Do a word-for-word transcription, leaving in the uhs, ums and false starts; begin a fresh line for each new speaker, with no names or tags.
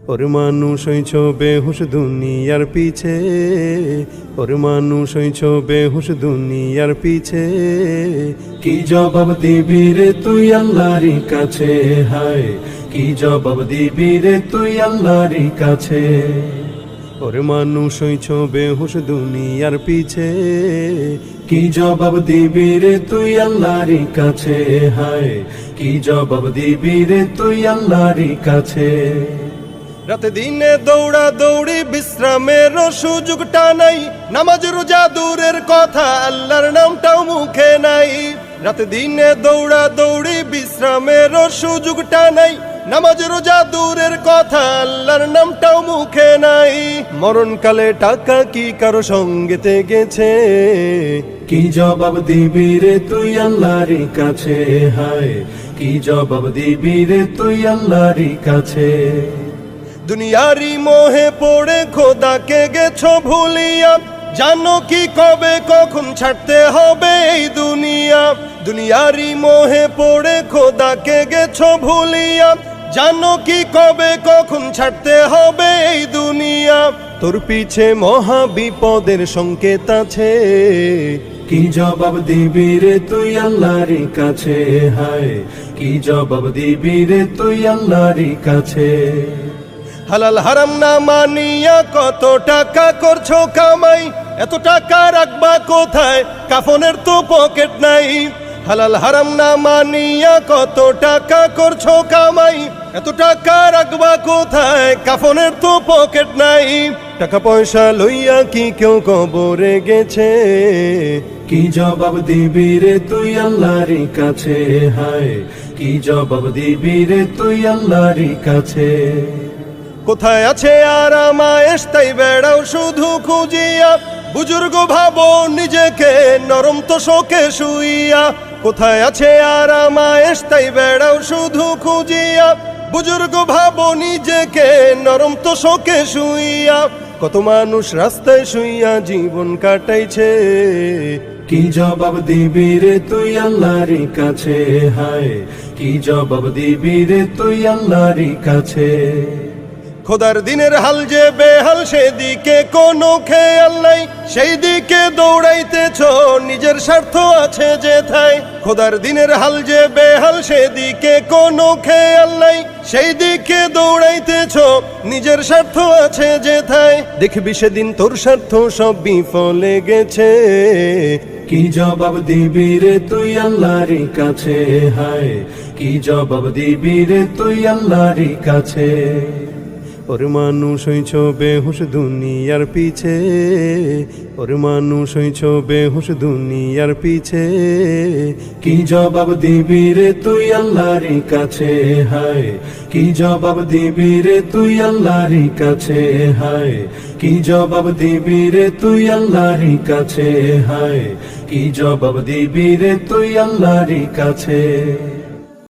ওর মানুষ হইছ বেহুশ দুনিয়ার পিছে, ওর মানুষ হইছ বেহুশ দুনিয়ার পিছে। কি জবাব দিবি রে তুই আল্লাহর কাছে, হায় কি জবাব দিবি রে তুই আল্লাহর কাছে। ওর মানুষ হইছ বেহুশ দুনিয়ার পিছে, কি জবাব দিবি রে তুই আল্লাহর কাছে, হায় কি জবাব দিবি রে তুই আল্লাহর কাছে। রাতে দিনে দৌড়া দৌড়ি বিশ্রামের সুযোগটা নাই, নামাজ রোজা দূরের কথা আল্লাহর নামটাও মুখে নাই। রাতে দিনে দৌড়া দৌড়ি বিশ্রামের সুযোগটা নাই, নামাজ রোজা দূরের কথা আল্লাহর নামটাও মুখে নাই। মরণকালে টাকা কি কারো সঙ্গেতে গেছে, কি জবাব দিবি রে তুই আল্লাহর কাছে, হায় কি জবাব দিবি রে তুই আল্লাহর কাছে। দুনিয়ারি মোহে পড়ে খোদাকে গেছো ভুলিয়া, জানো কি কবে কখন ছাড়তে হবে এই দুনিয়া। দুনিয়ারি মোহে পড়ে খোদাকে গেছো ভুলিয়া, জানো কি কবে কখন ছাড়তে হবে এই দুনিয়া। তোর পিছে মহা বিপদের সংকেত আছে, কি জবাব দিবি রে তুই আল্লাহর কাছে, হায় কি জবাব দিবি রে তুই আল্লাহর কাছে। হালাল হারাম না মানিয়া কত টাকা করছো কামাই, এত টাকা রাখবা কোথায় কাফনের তো পকেট নাই। হালাল হারাম না মানিয়া কত টাকা করছো কামাই, এত টাকা রাখবা কোথায় কাফনের তো পকেট নাই। টাকা পয়সা লইয়া কি কেউ কবরে গেছে, কি জবাব দিবি রে তুই আল্লাহর কাছে, হায় কি জবাব দিবি রে তুই আল্লাহর কাছে। কোথায় আছে আরামায়েশ তাই বেড়াও শুধু খুঁজিয়া, বুজুর্গ ভাবো নিজেকে নরম তো শোকে শুইয়া। কোথায় আছে আরামায়েশ তাই বেড়াও শুধু খুঁজিয়া, বুজুর্গ ভাবো নিজেকে নরম তো শোকে শুইয়া। কত মানুষ রাস্তায় শুইয়া জীবন কাটাইছে, কি জবাব দিবি রে তুই আল্লাহর কাছে, হায় কি জবাব দিবি রে তুই আল্লাহর কাছে। খোদার দিনের হাল যে বেহাল সেদিকে কোনো খেয়াল নাই, সেই দিকে দৌড়াইতেছ নিজের স্বার্থ আছে যেথায়। খোদার দিনের হাল যে বেহাল সেদিকে কোনো খেয়াল নাই, সেই দিকে দৌড়াইতেছ নিজের স্বার্থ আছে যেথায়। দেখবি সেদিন তোর স্বার্থ সব বিফলে গেছে, কি জবাব দিবি রে তুই আল্লাহর কাছে, হায় কি জবাব দিবি রে তুই আল্লাহর কাছে। ওর মানুষ হইছ বেহুশ দুনিয়ার পিছে, ওর মানুষ হইছ বেহুশ দুনিয়ার পিছে। কি জবাব দিবি রে তুই আল্লাহর কাছে, হায় কি জবাব দিবি রে তুই আল্লাহর কাছে, হায় কি জবাব দিবি রে তুই আল্লাহর কাছে, হায় কি জবাব দিবি রে তুই আল্লাহর কাছে।